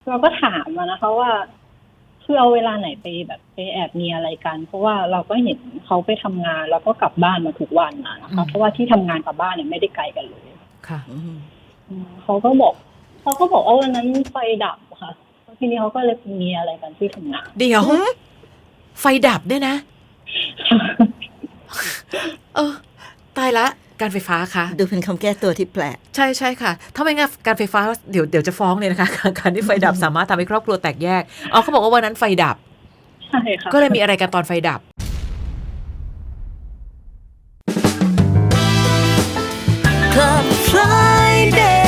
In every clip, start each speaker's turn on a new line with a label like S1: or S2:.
S1: เราก็ถามนะคะว่าคือเอาเวลาไหนไปแบบไปแอบมีอะไรกันเพราะว่าเราก็เห็นเขาไปทำงานแล้วก็กลับบ้านมาทุกวันนะคะเพราะว่าที่ทำงานกับบ้านเนี่ยไม่ได้ไกลกันเลย
S2: ค่ะ
S1: เขาก็บอกว่าวันนั้นไฟดับค่ะทีนี้เขาก็เลยมีอะไรกันที่ทำงาน
S2: เดี๋ยวไฟดับด้วยนะตายละการไฟฟ้าคะ
S3: ดูเป็นคำแก้ตัวที่แปลก
S2: ใช่ใช่ค่ะถ้าไม่งั้นการไฟฟ้าเดี๋ยวจะฟ้องเลยนะคะการที่ไฟดับสามารถทำให้ครอบครัวแตกแยกเขาบอกว่าวันนั้นไฟดับ
S1: ใช่ค่ะ
S2: ก็เลยมีอะไรกันตอนไฟดับ
S3: Club Friday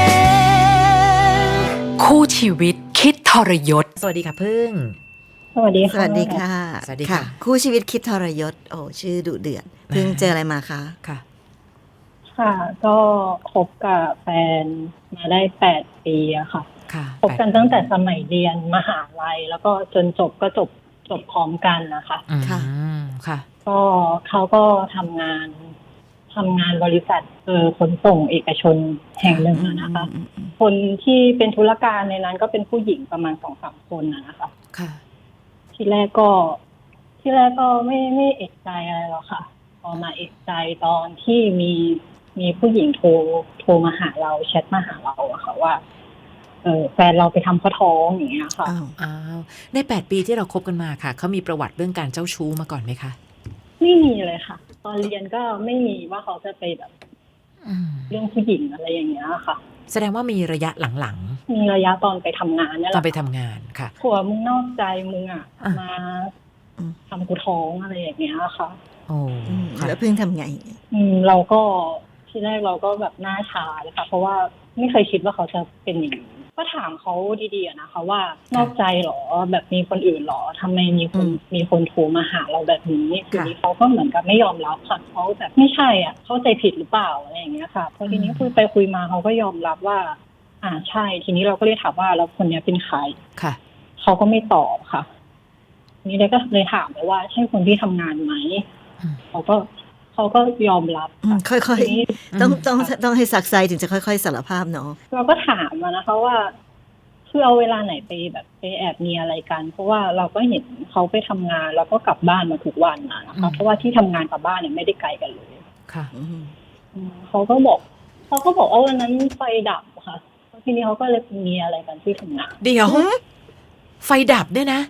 S4: คู่ชีวิตคิดทรยศ
S2: สวัสดีค่ะพึ่ง
S1: สวัสดีค่ะ
S3: สวัสดีค่ะ
S2: สวัสดีค่ะ
S3: คู่ชีวิตคิดทรยศโอ้ชื่อดุเดือดเพิ่งเจออะไรมาคะ
S1: ค่ะก็คบกับแฟนมาได้8 ปีอะค่ะคบกันตั้งแต่สมัยเรียนมหาลัยแล้วก็จนจบพร้อมกันนะคะ
S2: ค่ะ
S1: ก็เขาก็ทำงานบริษัทขนส่งเอกชนแห่งหนึ่งนะคะคนที่เป็นธุรการในนั้นก็เป็นผู้หญิงประมาณ 2-3 คนนะคะ
S2: ค่ะ
S1: ที่แรกก็ไม่เอกใจอะไรหรอกค่ะพอมาเอกใจตอนที่มีผู้หญิงโทรมาหาเราแชทมาหาเราอะค่ะว่าแฟนเราไปทำข้อท้องอย่างเงี้ยค่ะ
S2: ใน8 ปีที่เราคบกันมาค่ะเขามีประวัติเรื่องการเจ้าชู้มาก่อนไหมคะ
S1: ไม่มีเลยค่ะตอนเรียนก็ไม่มีว่าเขาจะไปแบบเรื่องผู้หญิงอะไรอย่างเงี้ยค่ะ
S2: แสดงว่ามีระยะหลัง
S1: ๆมีระยะตอนไปทำงานนี่แหละ
S2: ตอนไปทำงานค่ะ
S1: ผัวมึงนอกใจมึงอะมาทำกูท้องอะไรอย่างเงี้ยค่ะ
S3: แล้วเพิ่งทำไง
S1: เราก็ทีแรกเราก็แบบหน้าชาเลยค่ะเพราะว่าไม่เคยคิดว่าเขาจะเป็นอย่างนี้ก็ถามเขาดีๆนะคะว่านอกใจหรอแบบมีคนอื่นหรอทำไมมีคนโทรมาหาเราแบบนี้ทีนี้เขาก็เหมือนกับไม่ยอมรับค่ะเขาแบบไม่ใช่อ่ะเข้าใจผิดหรือเปล่าอะไรอย่างเงี้ยค่ะพอทีนี้คุยไปคุยมาเขาก็ยอมรับว่าใช่ทีนี้เราก็เลยถามว่าแล้วคนนี้เป็นใคร
S2: ค่ะ
S1: เขาก็ไม่ตอบค่ะนี่เลยก็เลยถามไปว่าใช่คนที่ทำงานไหมเขาก็ยอมรับ
S3: ค่อยๆต้องให้สักไซถึงจะค่อยๆสารภาพเนาะ
S1: เราก็ถามนะคะว่าคือเอาเวลาไหนไปแบบไปแอบมีอะไรกันเพราะว่าเราก็เห็นเขาไปทำงานแล้วก็กลับบ้านมาทุกวันนะคะเพราะว่าที่ทำงานกับบ้านเนี่ยไม่ได้ไกลกันเลย
S2: ค่ะ
S1: เขาก็บอกว่าวันนั้นไฟดับค่ะทีนี้เขาก็เลยมีอะไรกันที่ทำงาน
S2: เดี๋ยวไฟดับด้วยนะ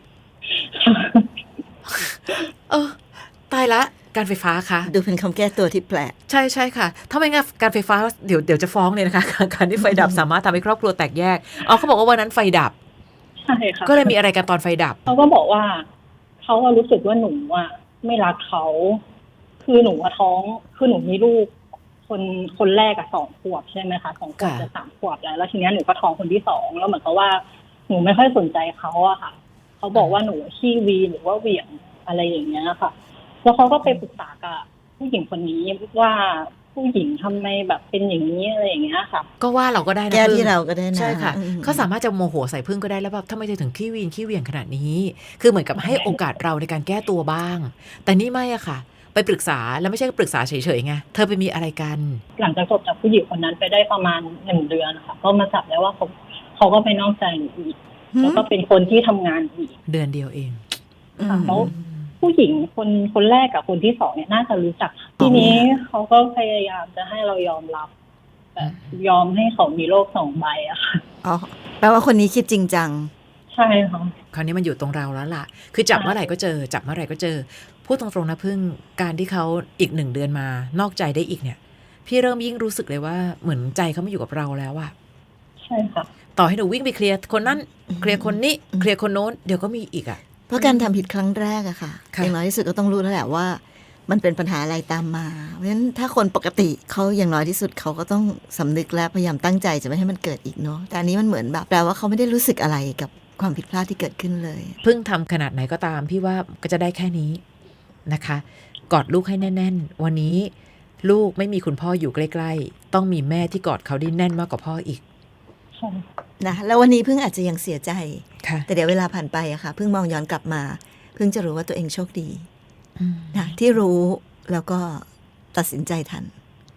S2: ตายละการไฟฟ้าคะ
S3: ดูเป็นคำแก้ตัวที่แปลก
S2: ใช่ใช่ค่ะถ้าไม่งั้นการไฟฟ้าเดี๋ยวจะฟ้องเลยนะคะการที่ไฟดับสามารถทำให้ครอบครัวแตกแยกเขาบอกว่าวันนั้นไฟดับ
S1: ใช่ค่ะ
S2: ก็เลยมีอะไรกันตอนไฟดับ
S1: เขาก็บอกว่าเขารู้สึกว่าหนูไม่รักเขาคือหนูท้องคือหนูมีลูกคนแรก2 ขวบใช่ไหมคะ2 ขวบจะ3 ขวบแล้วทีนี้หนูก็ท้องคนที่2แล้วเหมือนกับว่าหนูไม่ค่อยสนใจเขาอะค่ะเขาบอกว่าหนูขี้วีหรือว่าเหวี่ยงอะไรอย่างเงี้ยค่ะแล้วเขาก็ไปปรึกษากับผู้หญิงคนนี้ว่าผู้หญิงทำไมแบบเป็นอย่างนี้อะไรอย่างเงี้ยค่ะ
S2: ก็ว่าเราก็ได้นะ
S3: แก้ที่เราก็ได้นะ
S2: ใช่ค่ะเขาสามารถจะโมโหใส่พึ่งก็ได้แล้วแบบทำไมเธอถึงขี้วีนขี้เหวี่ยงขนาดนี้คือเหมือนกับให้โอกาสเราในการแก้ตัวบ้างแต่นี่ไม่อะค่ะไปปรึกษาแล้วไม่ใช่ปรึกษาเฉยๆไงเธอไปมีอะไรกัน
S1: หลังจากจบจากผู้หญิงคนนั้นไปได้ประมาณ1 เดือนค่ะก็มาจับได้ว่าเขาก็ไปนอกใจหนูอีกแล้วก็เป็นคนที่ทำงานอีก
S2: เดือนเดียวเอง
S1: แล้วผู้หญิงคนแรกกับคนที่2เนี่ยน่าจะรู้จักทีนี้เขาก็พยายามจะให้เรายอมรับแบบยอมให้เขามีโลก2 ใบอะค่ะ
S3: แปลว่าคนนี้คิดจริงจัง
S1: ใช่ค่ะ
S2: คราวนี้มันอยู่ตรงเราแล้วล่ะคือจับเมื่อไหร่ก็เจอจับเมื่อไหร่ก็เจอพูดตรงๆนะพึ่งการที่เขาอีก1 เดือนมานอกใจได้อีกเนี่ยพี่เริ่มยิ่งรู้สึกเลยว่าเหมือนใจเขาไม่อยู่กับเราแล้วอะ
S1: ใช่ค่ะ
S2: ต่อให้หนูวิ่งไปเคลียร์คนนั้นเคลียร์คนนี้เคลียร์คนโน้นเดี๋ยวก็มีอีกอะ
S3: เพราะการทำผิดครั้งแรกอะค่ะอย่างน้อยที่สุดก็ต้องรู้แล้วแหละว่ามันเป็นปัญหาอะไรตามมาเพราะฉะนั้นถ้าคนปกติเขาอย่างน้อยที่สุดเขาก็ต้องสำนึกและพยายามตั้งใจจะไม่ให้มันเกิดอีกเนาะแต่อันนี้มันเหมือนแบบแปลว่าเขาไม่ได้รู้สึกอะไรกับความผิดพลาดที่เกิดขึ้นเลย
S2: เพิ่งทำขนาดไหนก็ตามพี่ว่าก็จะได้แค่นี้นะคะกอดลูกให้แน่นๆวันนี้ลูกไม่มีคุณพ่ออยู่ใกล้ๆต้องมีแม่ที่กอดเขาได้แน่นมากกว่าพ่ออีก
S3: นะแล้ววันนี้เพิ่งอาจจะยังเสียใจแต่เดี๋ยวเวลาผ่านไปอะค่ะเพิ่งมองย้อนกลับมาเพิ่งจะรู้ว่าตัวเองโชคดีนะที่รู้แล้วก็ตัดสินใจทัน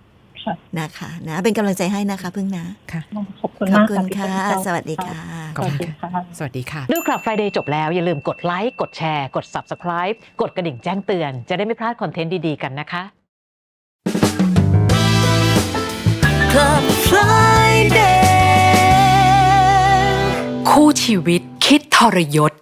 S1: ค่ะ
S3: นะคะนะเป็นกำลังใจให้นะคะพึ่งนะ
S2: ค่ะ
S1: ขอบคุณ
S3: ขอบ
S1: มาก
S3: คุณ
S1: พี่
S3: ค่ะ
S1: เปิ้ล
S3: สวัสดีค่ะ
S2: ขอบคุณ
S1: สวัสดี
S2: ค่ะ
S1: ค่ะ
S2: สวัสดีค่ะ
S5: ดูคลับ Friday จบแล้วอย่าลืมกดไลค์กดแชร์กด Subscribe กดกระดิ่งแจ้งเตือนจะได้ไม่พลาดคอนเทนต์ดีๆกันนะคะ
S3: Club Friday
S4: คู่ชีวิตคิดทรยศ